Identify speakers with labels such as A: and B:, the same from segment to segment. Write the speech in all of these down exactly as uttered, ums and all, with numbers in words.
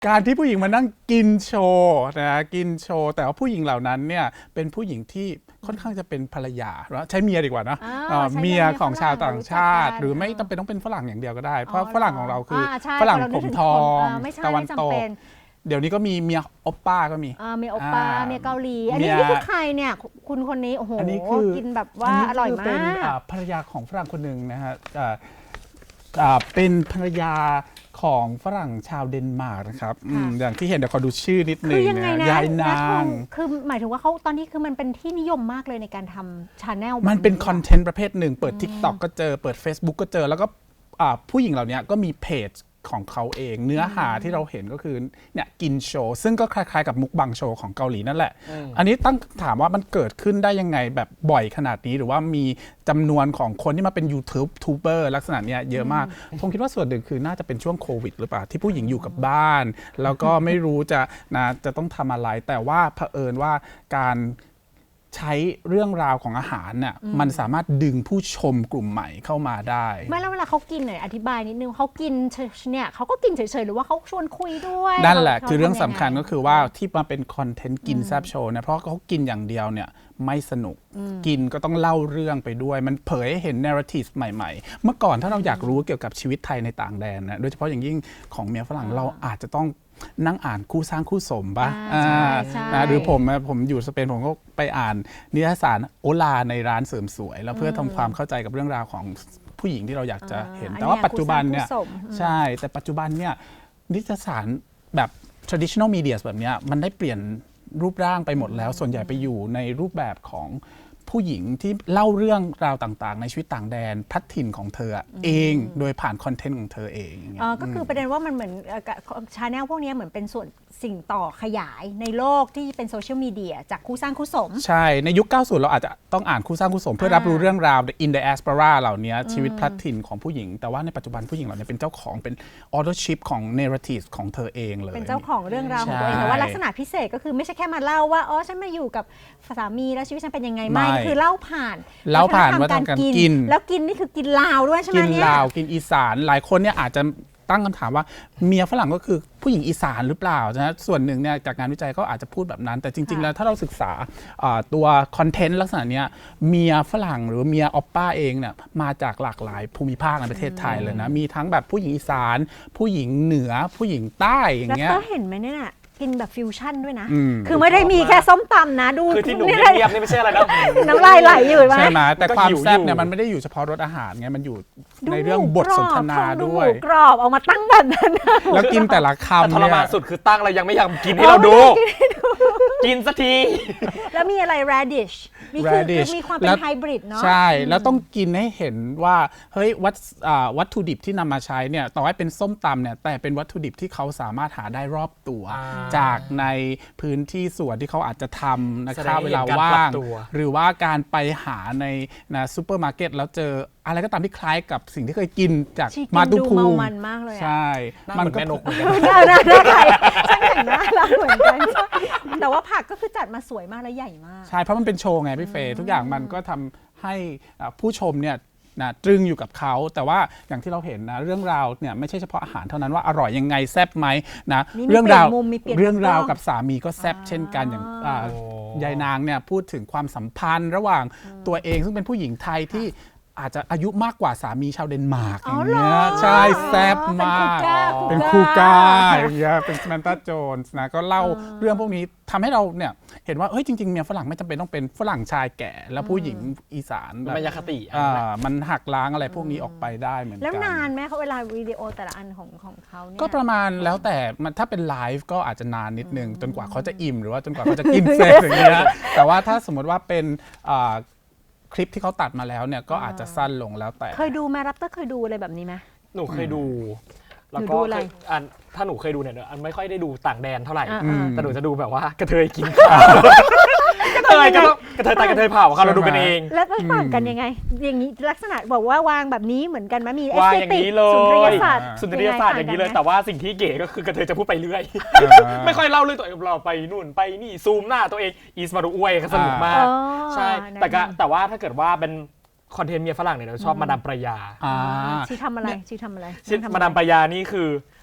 A: การที่ผู้หญิงมานั่งกินโชว์นะกินโชว์แต่ว่าผู้หญิงเหล่านั้นเนี่ยเป็นผู้หญิงที่ค่อนข้างจะเป็นภรรยาใช้เมียดีกว่านะเมียของชาวต่างชาติหรือไม่จำเป็นต้องเป็นฝรั่งอย่างเดียวก็ได้เพราะฝรั่งของเราคือฝรั่งผมทองตะวันตกเดี๋ยวนี้ก็มีเมียโอปป้าก็มี
B: เมียโอปป้าเมียเกาหลีอันนี้คือใครเนี่ยคุณคนนี้โอ้โหกินแบบว่าอร่อยมาก
A: เป็นภรรยาของฝรั่งคนหนึ่งนะฮะเป็นภรรยาของฝรั่งชาวเดนมาร์กนะครับอย่างที่เห็นเดี๋ยวขอดูชื่อนิดนึงนะยายนาง
B: คือหมายถึงว่าเขาตอนนี้คือมันเป็นที่นิยมมากเลยในการทำชาแนล
A: มันเป็นคอนเทนต์ประเภทหนึ่งเปิด TikTok ก็เจอเปิด Facebook ก็เจอแล้วก็ผู้หญิงเหล่านี้ก็มีเพจของเขาเองเนื้อหาที่เราเห็นก็คือเนี่ยกินโชว์ซึ่งก็คล้ายๆกับมุกบังโชว์ของเกาหลีนั่นแหละอันนี้ตั้งถามว่ามันเกิดขึ้นได้ยังไงแบบบ่อยขนาดนี้หรือว่ามีจำนวนของคนที่มาเป็นยูทูบทูบเบอร์ลักษณะเนี้ยเยอะมากผมคิดว่าส่วนหนึ่งคือน่าจะเป็นช่วงโควิดหรือเปล่าที่ผู้หญิงอยู่กับบ้านแล้วก็ไม่รู้จะนะจะต้องทำอะไรแต่ว่าเผอิญว่าการใช้เรื่องราวของอาหารเนี่ยมันสามารถดึงผู้ชมกลุ่มใหม่เข้ามาได้
B: ไม่แล้วเวลาเขากินหน่อยอธิบายนิดนึงเขากินเนี่ยเขาก็กินเฉยๆหรือว่าเขาชวนคุยด้วย
A: นั่นแหละคือเรื่องสำคัญก็คือว่าที่มาเป็นคอนเทนต์กินแซบโชว์เนี่ยเพราะเขากินอย่างเดียวเนี่ยไม่สนุกกินก็ต้องเล่าเรื่องไปด้วยมันเผยให้เห็นเนราทีฟใหม่ๆเมื่อก่อนถ้าเราอยากรู้เกี่ยวกับชีวิตไทยในต่างแดนนะโดยเฉพาะอย่างยิ่งของเมียฝรั่งเราอาจจะต้องนั่งอ่านคู่สร้างคู่สมป่ะนะหรือผมผมอยู่สเปนผมก็ไปอ่านนิตยสารโอลาในร้านเสริมสวยแล้วเพื่อทำความเข้าใจกับเรื่องราวของผู้หญิงที่เราอยากจะเห็นแต่ว่าปัจจุบันเนี่ยใช่แต่ปัจจุบันเนี่ยนิตยสารแบบ traditional media แบบนี้มันได้เปลี่ยนรูปร่างไปหมดแล้วส่วนใหญ่ไปอยู่ในรูปแบบของผู้หญิงที่เล่าเรื่องราวต่างๆในชีวิตต่างแดนพัฒถิ่นของเธอเองโดยผ่านคอนเทนต์ของเธอเอง
B: อ๋อก็คือประเด็นว่ามันเหมือนชาแนลพวกนี้เหมือนเป็นส่วนสิ่งต่อขยายในโลกที่เป็นโซเชียลมีเดียจากคู่สร้างคู่สม
A: ใช่ในยุคเก้าสิบเราอาจจะต้องอ่านคู่สร้างคู่สมเพื่อรับรู้เรื่องราว in the diaspora เหล่านี้ชีวิตพัฒถิ่นของผู้หญิงแต่ว่าในปัจจุบันผู้หญิงเหล่านี้เป็นเจ้าของเป็น authorship ของ narrative ของเธอเองเลย
B: เป็นเจ้าของเรื่องราวของตัวเองแต่ว่าลักษณะพิเศษก็คือไม่ใช่แค่มาเล่าว่าอ๋อฉันมาอยู่กับสามีแล้วชีวิตฉันเป็นยังไงไม่คือเล่าผ่าน
A: เล่าผ่านว่าทำการกิน
B: แล้วกินนี่คือกินลาวด้วยใช่ไหม
A: เนี่ยกินลาวกินอีสานหลายคนเนี่ยอาจจะตั้งคำถามว่าเมียฝรั่งก็คือผู้หญิงอีสานหรือเปล่านะส่วนหนึ่งเนี่ยจากงานวิจัยก็อาจจะพูดแบบนั้นแต่จริงๆแล้วถ้าเราศึกษาตัวคอนเทนต์ลักษณะนี้เมียฝรั่งหรือเมียออปป้าเองเนี่ยมาจากหลากหลายภูมิภาคในประเทศไทยเลยนะมีทั้งแบบผู้หญิงอีสานผู้หญิงเหนือผู้หญิงใต้อย่างเงี้ย
B: แล้วก็เห็นไหมเนี่ยกินแบบฟิวชั่นด้วยนะคือไม่ได้มีแค่ส้มตำนะดู
C: คือที่หนูเงียบนี่ไม่ใช่อะไรนะ
B: น้ำลายไหลอยู่ไหม
A: ใช่ไหมแต่ความแซ่บเนี่ยมันไม่ได้อยู่เฉพาะรสอาหารไงมันอยู่ในเรื่องบทสนทนาด้วย
B: กรอบเอามาตั้งแบบนั้น
A: แล้วกินแต่ละคำ
C: ทรมานสุดคือตั้งเรายังไม่อยากกินให้เราดูกินสักที
B: แล้วมีอะไร radish มีคือมีความเป็นไฮบริดเนาะ
A: ใช่แล้วต้องกินให้เห็นว่าเฮ้ยวัตวัตถุดิบที่นำมาใช้เนี่ยต่อให้เป็นส้มตำเนี่ยแต่เป็นวัตถุดิบที่เขาสามารถหาได้รอบตัวจากในพื้นที่ส่วนที่เขาอาจจะทำนะครับเวลาว่างหรือว่าการไปหาในนะซูเปอร์มาร์เก็ตแล้วเจออะไรก็ตามที่คล้ายกับสิ่งที่เคยกินจากมาตุภูมิ
B: มันมากเลย
A: ใช่
C: มันก็นกเหมือนกัน
B: น่าน่าน่าใครช่างแต่งหน้าเราเหมือนกันแต่ว่าผักก็คือจัดมาสวยมากและใหญ่มาก
A: ใช่เพราะมันเป็นโชว์ไงพี่เฟย์ทุกอย่างมันก็ทำให้ผู้ชมเนี่ยนะตรึงอยู่กับเขาแต่ว่าอย่างที่เราเห็นนะเรื่องราวเนี่ยไม่ใช่เฉพาะอาหารเท่านั้นว่าอร่อยยังไงแซ่บไหมนะเรื่องราวเรื่องราวกับสามีก็แซ่บเช่นกันอย่างยายนางเนี่ยพูดถึงความสัมพันธ์ระหว่างตัวเองซึ่งเป็นผู้หญิงไทยที่อาจจะอายุมากกว่าสามีชาวเดนมาร์กอย่างเงี้ยใช่แซ่บมากเป็นคูก้าอย่างเงี้ยเป็นสแมนตาโจนส์นะก็เล่าเรื่องพวกนี้ทำให้เราเนี่ยเห็นว่าเฮ้ยจริงๆเมียฝรั่งไม่จำเป็นต้องเป็นฝรั่งชายแก่แล้วผู้หญิงอีสาน
C: แบบมายาคติ
A: มันหักล้างอะไรพวกนี้ออกไปได้เหมือนกัน
B: แล้วนานไหมเขาเวลาวิดีโอแต่ละอันของของเขาเนี่ย
A: ก็ประมาณแล้วแต่ถ้าเป็นไลฟ์ก็อาจจะนานนิดนึงจนกว่าเขาจะอิ่มหรือว่าจนกว่าเขาจะกินเสร็จอย่างเงี้ยแต่ว่าถ้าสมมติว่าเป็นคลิปที่เขาตัดมาแล้วเนี่ยก็อาจจะสั้นลงแล้วแต่
B: เคยดูไหมรับเตอร์เคยดูอะไรแบบนี้ไหม
C: หนูเคยดูแล้วก็อันถ้าหนูเคยดูเนี่ยอันไม่ค่อยได้ดูต่างแดนเท่าไหร่แต่หนูจะดูแบบว่ากระเทยกินข้าวกระเทยก็ต้องกระเทยตายกระเทยเผาค่ะเราดูกันเอง
B: แล้วไปต่างกันยังไงอย่างนี้ลักษณะบอกว่าวางแบบนี้เหมือนกันไหมมีเอส
C: เต
B: ติก
C: สุนทรีย
B: ศาสตร์
C: สุนทรียศาสตร์อย่างนี้เลยแต่ว่าสิ่งที่เก๋ก็คือกระเทยจะพูดไปเรื่อยไม่ค่อยเล่าเรื่องตัวเองเราไปนู่นไปนี่ซูมหน้าตัวเองอีสมาดูอวยสนุกมากใช่แต่ก็แต่ว่าถ้าเกิดว่าเป็นคอนเทนต์เมียฝรั่งเนี่ยเราชอบมาดามปรายา
B: ชีทำอะไรชีทำอะไร
C: ชีมาดามปรายานี่คือ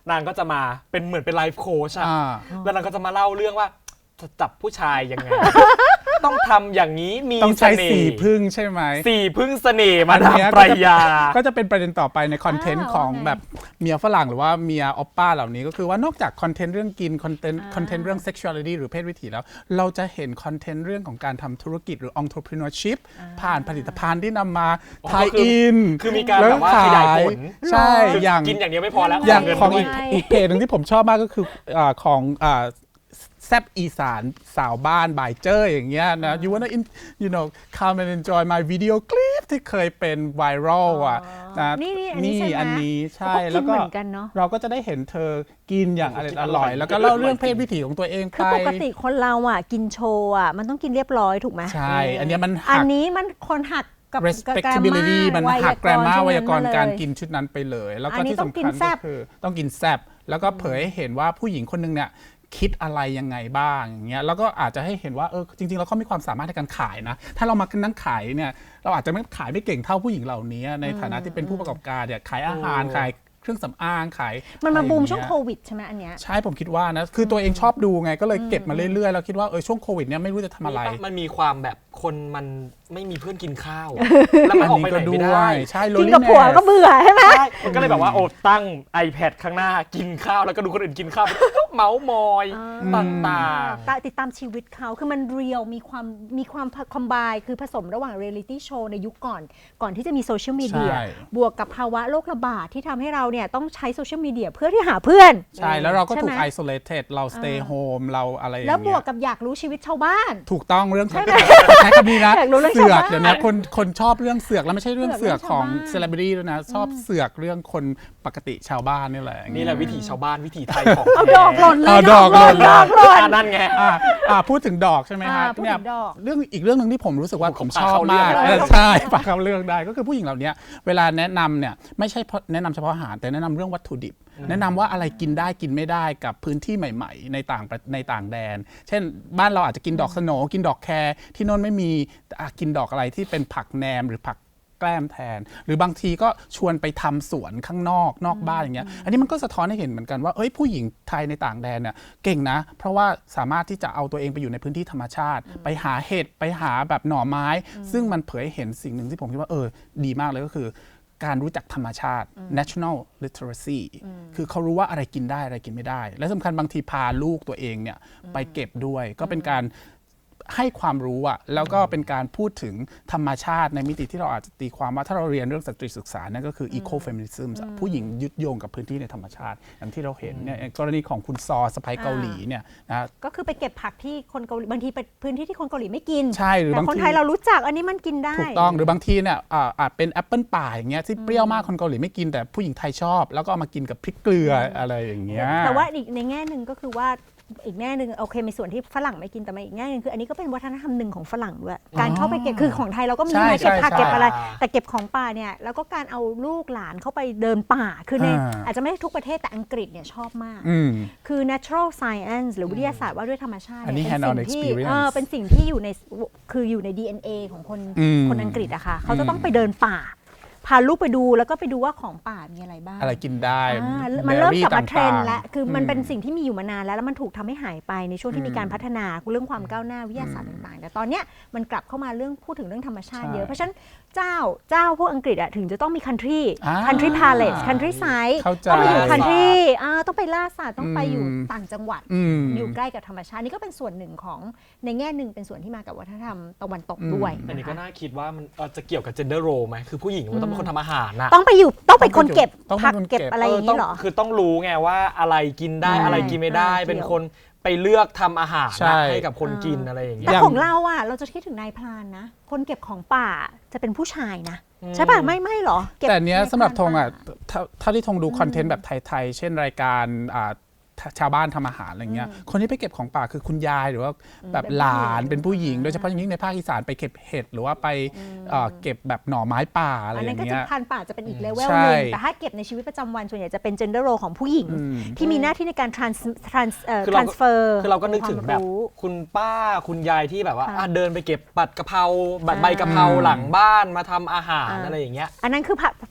C: นางก็จะมาเป็นเหมือนเป็นไลฟ์โค้ชอะ
A: อ่า
C: แล้วนางก็จะมาเล่าเรื่องว่าจะจับผู้ชายยังไง ต้องทำอย่างนี้มี
A: ต้อง
C: เส
A: ใช้
C: น่
A: สี
C: ห์
A: พึ่งใช่ไหม
C: สี่พึ่งเสน่ห์มา
A: อัน
C: ดาม
A: เนี้ย
C: ปรายา
A: ก็จะเป็นประเด็นต่อไปในคอนเทนต์
B: อ่า
A: ของ
B: ว่าไง
A: แบบเมียฝรั่งหรือว่าเมียออปป้าเหล่านี้ก็คือว่านอกจากคอนเทนต์เรื่องกินคอนเทนต์
B: อ่า
A: คอนเทนต์เรื่อง sexuality หรือเพศวิถีแล้ว เราจะเห็นคอนเทนต์เรื่องของการทำธุรกิจหรือ entrepreneurship ผ่านผลิตภัณฑ์ที่นำมา
C: อ๋อ
A: ทาย
C: คือ
A: อิน
C: คือมีการแบบว่าขยายผล
A: ใช่
C: คือ
A: อย่าง
C: กินอย่างเดียวไม่พอแล้ว
A: อย่าง
C: เงิน
A: ของ
C: ด้ว
A: อี
C: ย
A: กอีกเพจหนึ่งที่ผมชอบมากก็คืออาของอ่าแซบอีสานสาวบ้านบายเจอร์อย่างเงี้ยนะ you wanna in, you know come and enjoy my video clip ที่เคยเป็นไวรัลอ่ะนะ
B: นี่นี่อันนี้ใช่ไหม
A: อันนี้ใช่
B: เขาก็กิน
A: แล้วก็
B: เหมือนกันเนอะ
A: เราก็จะได้เห็นเธอกินอย่างอร่อยอร่อย แล้วก็เล่าเรื่องเพศวิถีของตัวเอง
B: คือ
A: ไป
B: ปกติคนเราอ่ะกินโชว์อ่ะมันต้องกินเรียบร้อยถูกไหม
A: ใช่ อันเนี้ยมัน
B: อั
A: หั
B: น
A: ก
B: นี้มันคนหักกับ
A: respectability มันหักแกรมมาไวยากรณ์การกิ
B: น
A: นชุดนั้นไปเลย แล้ว
B: อั
A: ก็
B: นนี้
A: ที่
B: ต้อง
A: สำ
B: กิ
A: คั
B: น
A: ญ
B: แซ่
A: ก็
B: บ
A: คือต้องกินแซบแล้วก็เผยให้เห็นว่าผู้หญิงคนนึงเนี่ยคิดอะไรยังไงบ้างอย่างเงี้ยแล้วก็อาจจะให้เห็นว่าเออจริงๆแล้วเขามีความสามารถในการขายนะถ้าเรามานั่งขายเนี่ยเราอาจจะไม่ขายไม่เก่งเท่าผู้หญิงเหล่านี้ในฐานะที่เป็นผู้ประกอบการเนี่ยขายอาหารขายเครื่องสำอางขาย
B: มันมา
A: อะไร
B: บูม
A: อย่
B: ช่วง
A: เย
B: โควิดใช่ไหมอันเนี้ย
A: ใช่ผมคิดว่านะคือตัวเองชอบดูไงก็เลยเก็บมาเรื่อยๆแล้วคิดว่าเออช่วงโควิดเนี่ยไม่รู้จะทำอะไร
C: มันมีความแบบคนมันไม่มีเพื่อนกินข้าว แล้วมันออกไปไหนไม่ได้
A: ใช่
B: กินกับผัวก็เบื่อใช่ไหม
C: ใช่มันก็เลยแบบว่าโอ้ตั้ง iPad ข้างหน้ากินข้าวแล้วก็ดูคนอื่นกินข้าว เมาส์มอยต่าง
B: ตาติดตามชีวิตเขาคือมันเรียลมีความมีความคอมไบคือผสมระหว่างเรียลิตี้โชว์ในยุคก่อน ก่อนที่จะมีโซเชียลมีเดีย
A: ใช่
B: บวกกับภาวะโรคระบาดที่ทำให้เราเนี่ยต้องใช้โซเชียลมีเดียเพื่อที่หาเพื่อน
A: ใช่แล้วเราก็ถูก
B: ใช่ไหม
A: isolated เรา stay home เราอะไรอย่าง
B: แล้ว
A: เงี้ย
B: บวกกับอยากรู้ชีวิตชาวบ้าน
A: ถูกต้องเรื่องใช้คำนี้นะ
B: อยากรู้เรื่อง
A: เสือก
B: ชาวบ้าน
A: เดี๋ยวนี้คนคนชอบเรื่องเสือกแล้วไม่ใช่เรื่อง
B: เสื
A: เสื
B: อ
A: อก ก
B: เรื่อง
A: ของ
B: ชาวบ้าน
A: เซเลบริตี้ด้วยนะชอบเสือกเรื่องคนปกติชาวบ้านนี่แหละ
C: ๆนี่แหละวิถีชาวบ้านวิถีไทยของ
B: เอาดอกหล่นเลย
A: เอาดอกหล่น
B: ดอกหล่น
C: อ่านั่นไง
A: อ่าอ่าพูดถึงดอกใช่ไหมฮะ
B: อ่าพูดถึง
A: เนี่ย
B: ดอก
A: เรื่องอีกเรื่องหนึ่งที่ผมรู้สึกว่า
C: โอ้โห
A: ผม
C: ปาก
A: ชอบ
C: เข้าเรื่อง
A: มาก
C: เลย
A: เออใช่ปากเข้าเรื่องได้ก็คือผู้หญิงเหล่านี้เวลาแนะนำเนี่ยไม่ใช่แนะนำเฉพาะอาหารแต่แนะนำเรื่องวัตถุดิบ แนะนำว่าอะไรกินได้กินไม่ได้กับพื้นที่ใหม่ๆ ในต่างประในต่างแดน เช่นบ้านเราอาจจะกินดอกสโหนกินดอกแครที่โน่นไม่มีอ่ะกินดอกอะไรที่เป็นผักแหนมหรือผักแกล้มแทน หรือบางทีก็ชวนไปทำสวนข้างนอกนอกบ้านอย่างเงี้ยอันนี้มันก็สะท้อนให้เห็นเหมือนกันว่าเอ้ยผู้หญิงไทยในต่างแดนเนี่ยเก่งนะ เพราะว่าสามารถที่จะเอาตัวเองไปอยู่ในพื้นที่ธรรมชาติ ไปหาเห็ดไปหาแบบหน่อไม้ ซึ่งมันเผยให้เห็นสิ่งหนึ่งที่ผมคิดว่าเออดีมากเลยก็คือ การรู้จักธรรมชาติ national literacy คือเขารู้ว่าอะไรกินได้อะไรกินไม่ได้ และสำคัญบางทีพาลูกตัวเองเนี่ยไปเก็บด้วย ก็เป็นการให้ความรู้อะแล้วก็เป็นการพูดถึงธรรมชาติในมิติที่เราอาจจะตีความว่าถ้าเราเรียนเรื่องสตรีศึกษานั่นก็คือ ecofeminism อะผู้หญิงยึดโยงกับพื้นที่ในธรรมชาติ อย่างที่เราเห็นเนี่ยกรณีของคุณซอสะพ้ายเกาหลีเนี่ยนะ
B: ก็คือไปเก็บผักที่คนเกาหลีบางทีไปพื้นที่ที่คนเกาหลีไม่กิน
A: ใช่หรือ
B: แต่
A: บาง
B: คน
A: ที
B: ไทยเรารู้จักอันนี้มันกินได้
A: ถูกต้องหรือบางทีเนี่ยอ่าอาจเป็นแอปเปิลป่าอย่างเงี้ยที่เปรี้ยวมากคนเกาหลีไม่กินแต่ผู้หญิงไทยชอบ แล้วก็เอามากินกับพริกเกลืออะไรอย่างเงี้ย
B: แต่ว่าอีกในแง่หนึ่งก็คือว่าอีกแง่หนึ่งโอเคมีส่วนที่ฝรั่งไม่กินแต่มาอีกแง่หนึ่งคืออันนี้ก็เป็นวัฒนธรรมหนึ่งของฝรั่งด้วยการเข้าไปเก็บคือของไทยเราก็มี
A: ใช่
B: นะเก็บผัก
A: ใช่
B: เก็บอะไร
C: ใช่
B: แต่เก็บของป่าเนี่ยแล้วก็การเอาลูกหลานเข้าไปเดินป่าคือใน
A: อ่า
B: อาจจะไม่ได้ทุกประเทศแต่อังกฤษเนี่ยชอบมาก
A: อืม
B: คือ natural science หรือวิทยาศาสตร์ว่าด้วยธรรมชาติ
A: อันนี้
B: เนี่ย
A: hand on
B: เป็นสิ่งที่
A: experience
B: เออเป็นสิ่งที่อยู่ในคืออยู่ใน ดี เอ็น เอ ของคน
A: อืม
B: คนอังกฤษอะค่ะเขาจะต้องไปเดินป่า พาลูกไปดูแล้วก็ไปดูว่าของป่ามีอะไรบ้าง
A: อะไรกินได้
B: อ่ามันเริ่มกลับมาเทรนด์
A: ต่งๆ
B: แล้วคือมัน
A: ม
B: เป็นสิ่งที่มีอยู่มานานแล้วแล้วมันถูกทำให้หายไปในช่วงที่มีการพัฒนาเรื่องความก้าวหน้าวิทยาศาสตร์ต่างๆแต่ตอนเนี้ยมันกลับเข้ามาเรื่องพูดถึงเรื่องธรรมชาติ
A: ใช่
B: เยอะเพราะฉะนั้นเจ้าเจ้าพวกอังกฤษอะถึงจะต้องมี country
A: อ่า
B: country palace country side
A: เข้าใจ
B: ต้องไปอยู่
C: ล่าสัตว์
B: country อ่าต้องไปล่าสัตว์ต้องไปอยู่
A: อืม
B: ต่างจังหวัด
A: อืม
B: อยู่ใกล้กับธรรมชาตินี่ก็เป็นส่วนหนึ่งของในแง่หนึ่งเป็นส่วนที่มากับวัฒนธรรมตะวันตกด้วย
C: อันนี้ก็
B: นะคะ
C: น่าคิดว่ามันเอ่อจะเกี่ยวกับ gender role ไหมคือผู้หญิงมันต้องเป็นคนทำอาหารน่ะ
B: ต้องไปอยู่ต้องเป็นคนเก็บ
A: ต้องเป็น
B: ผัก
A: คนเก็
B: เก็
A: บ
B: บอะไรอย่างนี้เหรอ
C: ต้คือต้องรู้ไงว่าอะไรกินได้
B: ใช่
C: อะไรกินไม่ได้
B: อ่า
C: เป็น
B: เกี่ยว
C: คนไปเลือกทำอาหาร
A: ใช่
C: นะให้กับคนกินอะไรอย่างเงี้
B: แต่
C: ย
B: ของเราอ่ะเราจะคิดถึงนายพรานนะ คนเก็บของป่าจะเป็นผู้ชายนะ
C: อืม
B: ใช่ป่ะไม่ไม่หรอเก็บ
A: แต่เนี้ย
B: นายพา
A: สำหรับธงอ่ะ
B: ป่า
A: เท่าเท่าที่ธงดูคอนเทนต์แบบไทยๆ เช่นรายการอ่าชาวบ้านทำอาหารอะไรเงี้ยคนที่ไปเก็บของป่าคือคุณยายหรือว่าแบบ
B: เป็นผู้
A: หลาน
B: หญิง
A: เป็นผู้หญิง
B: อ่า
A: โดยเฉพาะอย่างยิ่งในภาคอีสานไปเก็บเห็ดหรือว่าไปเอ่อเก็บแบบหน่อไม้ป่าอะไร
B: อัน
A: อ
B: นั้น
A: ย่าง
B: ก็จะ
A: เงี้ย
B: พันป่าจะเป็นอีกเลเวล
A: ใช่
B: หนึ่งแต่ถ้าเก็บในชีวิตประจำวันส่วนใหญ่จะเป็น gender role ของผู้หญิง
A: อืม
B: ที่มีหน้าที่ในการ trans trans เอ่อ
C: คือเราก็
B: transfer
C: คือเราก็นึกถึงแบบ
B: ความรู้
C: คุณป้าคุณยายที่แบบว่า
B: ค่ะ
C: อ่ะเดินไปเก็บปัดกะเพราบัด
B: อ่า
C: ใบกะเพราหลังบ้านมาทำอาหาร
B: อ่า
C: อะไรอย่างเงี้ย
B: อันนั้นคือ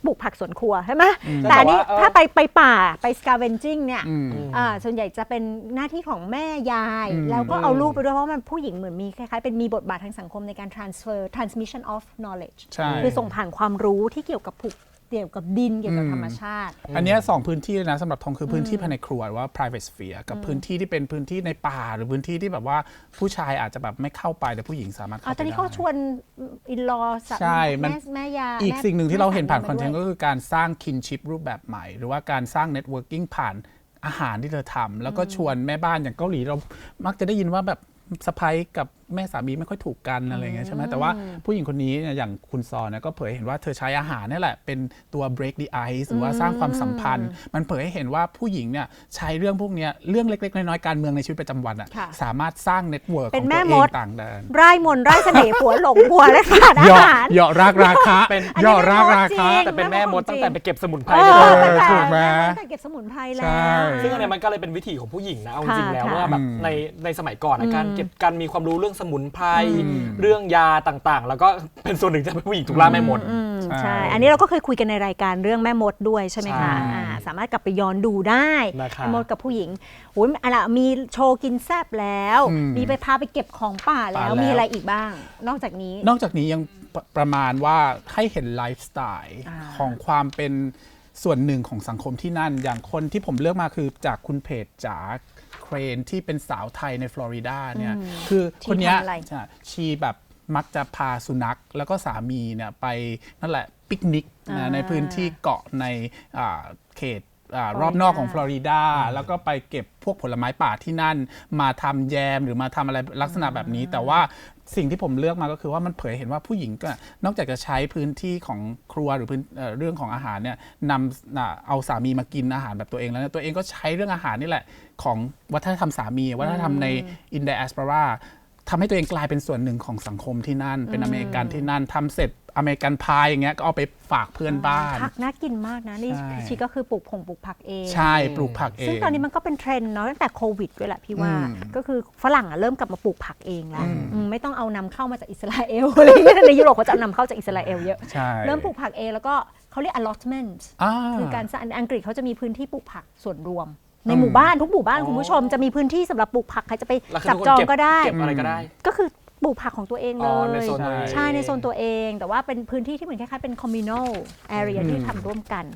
B: ปลูกผักสวนครัวใช่ไหม
A: อืม
B: แต่อันนี้
C: แต่ว่าเออ
B: ถ้าไปไปป่าไป scavenging เนี่ย
A: อืม
B: อ่าส่วนใหญ่จะเป็นหน้าที่ของแม่ยาย
A: อืม
B: แล้วก็เอาลูกไปด้วยเพราะมันผู้หญิงเหมือนมีคล้ายๆเป็นมีบทบาททางสังคมในการ transfer transmission of knowledge
A: ใช่
B: คือส่งผ่านความรู้ที่เกี่ยวกับผูกเกี่ยวกับดินเกี่ยวกับ
A: อืม
B: ธรรมชาติ
A: อันเนี้ยสองพื้นที่เลยนะสำหรับทองคือพื้นที่ภายในครัวหรือว่า private sphere กับพื้นที่ที่เป็นพื้นที่ในป่าหรือพื้นที่ที่แบบว่าผู้ชายอาจจะแบบไม่เข้าไปแต่ผู้หญิงสามารถ
B: อ๋อ
A: เข้าไป
B: ตอนนี้
A: ได้
B: เขาชวนอินลอ
A: ใช่มัน
B: แม่แม่ยา
A: อีก
B: แม่
A: สิ่งหนึ่งที่เราเห็นผ่าน
B: แม่
A: คอนเทนต์
B: ด้
A: ก็
B: วย
A: คือการสร้าง kinship รูปแบบใหม่ หรือว่าการสร้าง networking ผ่านอาหารที่เธอทำแล้วก็ชวนแม่บ้านอย่างเกาหลีเรามักจะได้ยินว่าแบบสะใภ้กับแม่สามีไม่ค่อยถูกกันอะไรอย่างเงี้ยใช่ไหมแต่ว่าผู้หญิงคนนี้เนี่ยอย่างคุณซอนเนี่ยก็เผยเห็นว่าเธอใช้อาหารนี่แหละเป็นตัว break the ice หรือว่าสร้างความสัมพันธ์ มันเผยให้เห็นว่าผู้หญิงเนี่ยใช้เรื่องพวกเนี้ยเรื่องเล็กๆน้อยๆการเมืองในชีวิตประจำวันอะ
B: ค่ะ
A: สามารถสร้างเน็ตเวิร์กข
B: เป็
A: อน ง
B: แม่
A: ตัวเอ
B: ม
A: ง
B: ด
A: ต่างแดน
B: ไร่มนต์ไร่เสน่ห์ผัวหลงผัวและขาดอา
A: เหยาะ
B: หาร
A: เหยาะรากราคา
C: เป็น
A: เหยาะรากราคา
B: จริง
C: แต่เป็นแม่มดตั้งแต่ไปเก็บสมุนไพร
B: เอ
C: เลย
B: อ
C: นะ
B: ตั้งแต่
A: ถูกไหม
B: ตั้งแต่เก็บสมุนไพรแล้
A: ใช่
B: ว
C: ซึ่งอันเนี้ยมันก็เลยเป็นวิถีของผู้หญิงนะเอาจริงๆแล้ว
B: ค่ะ
C: ว่าแบบ
A: อืม
C: ในในสมัยก่อนนะการเก็บการมีความรู้เรื่องสมุนไพร
A: อืม
C: เรื่องยาต่างๆ แล้วก็เป็นส่วนหนึ่งที่ทำให้ผู้หญิงถูกล่าแม่มด
B: อืม
A: ใช่
B: ใช่ อันนี้เราก็เคยคุยกันในรายการเรื่องแม่มดด้วยใช่ไหมคะ
C: ใช่
B: อ่าสามารถกลับไปย้อนดูได้
C: นะครับ
B: แม่มดกับผู้หญิงโอ้ยอะไรมีโชว์กินแซบแล้ว
A: อืม
B: มีไปพาไปเก็บของป่าแล้ว
A: ป่าแล้ว
B: มีอะไรอีกบ้าง นอกจากนี้
A: นอกจากนี้ยังปประมาณว่าให้เห็นไลฟ์สไตล์
B: อ่า
A: ของความเป็นส่วนหนึ่งของสังคมที่นั่น อย่างคนที่ผมเลือกมาคือจากคุณเพจจ๋าเครนที่เป็นสาวไทยในฟลอริดาเนี่ยคือคนเนี้ย
B: ชีทำอะไร
A: ใช่ชีแบบมักจะพาสุนัขแล้วก็สามีเนี่ยไปนั่นแหละปิกนิก
B: อ่า
A: นะในพื้นที่เกาะในอ่าเขตอ่า
B: ฟลอริดาร
A: อบนอกของฟลอริดาแล้วก็ไปเก็บพวกผลไม้ป่าที่นั่น มาทำแยมหรือมาทำอะไรลักษณะแบบนี้ แต่ว่าสิ่งที่ผมเลือกมาก็คือว่ามันเผยเห็นว่าผู้หญิงก็นอกจากจะใช้พื้นที่ของครัวหรือพื้นเอ่อเรื่องของอาหารเนี่ยนำน่ะเอาสามีมากินอาหารแบบตัวเองแล้วเนี่ยตัวเองก็ใช้เรื่องอาหารนี่แหละของวัฒนธรรมสามีวัฒนธรรมในอินเดียแอสปาราทำให้ตัวเองกลายเป็นส่วนหนึ่งของสังคมที่นั่น เป็นอเมริกันที่นั่นทำเสร็จอเมริกันพายอย่างเงี้ยก็เอาไปฝากเพื่อนบ้าน
B: ผักน่ากินมากนะนี่
A: ใช่
B: ชีก็คือปลูกผงปลูกผักเอง
A: ใช่ปลูกผักเอง
B: ซึ่งตอนนี้มันก็เป็นเทรนด์เนาะตั้งแต่โควิดด้วยแหละพี่ว่า
A: อืม
B: ก็คือฝรั่งอะเริ่มกลับมาปลูกผักเองแล้ว
A: อืม
B: อืมไม่ต้องเอานำเข้ามาจากอิสราเอล อะไรอย่างเงี้ยในยุโรปเขาจะเอานำเข้าจากอิสราเอลเยอะ
A: ใช่
B: เริ่มปลูกผักเองแล้วก็เขาเรียก allotment
A: อ่า
B: คือการสร้างอังกฤษเขาจะมีพื้นที่ปลูกผักส่วนรวม ใน
A: อืม
B: หมู่บ้านทุกหมู่บ้าน
C: อ๋อ
B: คุณผู้ชมจะมีพื้นที่สำหรับปลูกผักใครจะไป
C: แล้วคือ
B: จับ
C: ทุกคน
B: จอง
C: เก็บ
B: ก็ได้
C: เก็บอะไรก็ได้
B: ก็คือปลูกผักของตัวเองเล
C: อ๋อย ในโซนตัวเอง
B: ใช่ในโซนตัวเอง แต่ว่าเป็นพื้นที่ที่เหมือนคล้ายๆเป็น communal area
A: อืม
B: ที่ทำร่วมกัน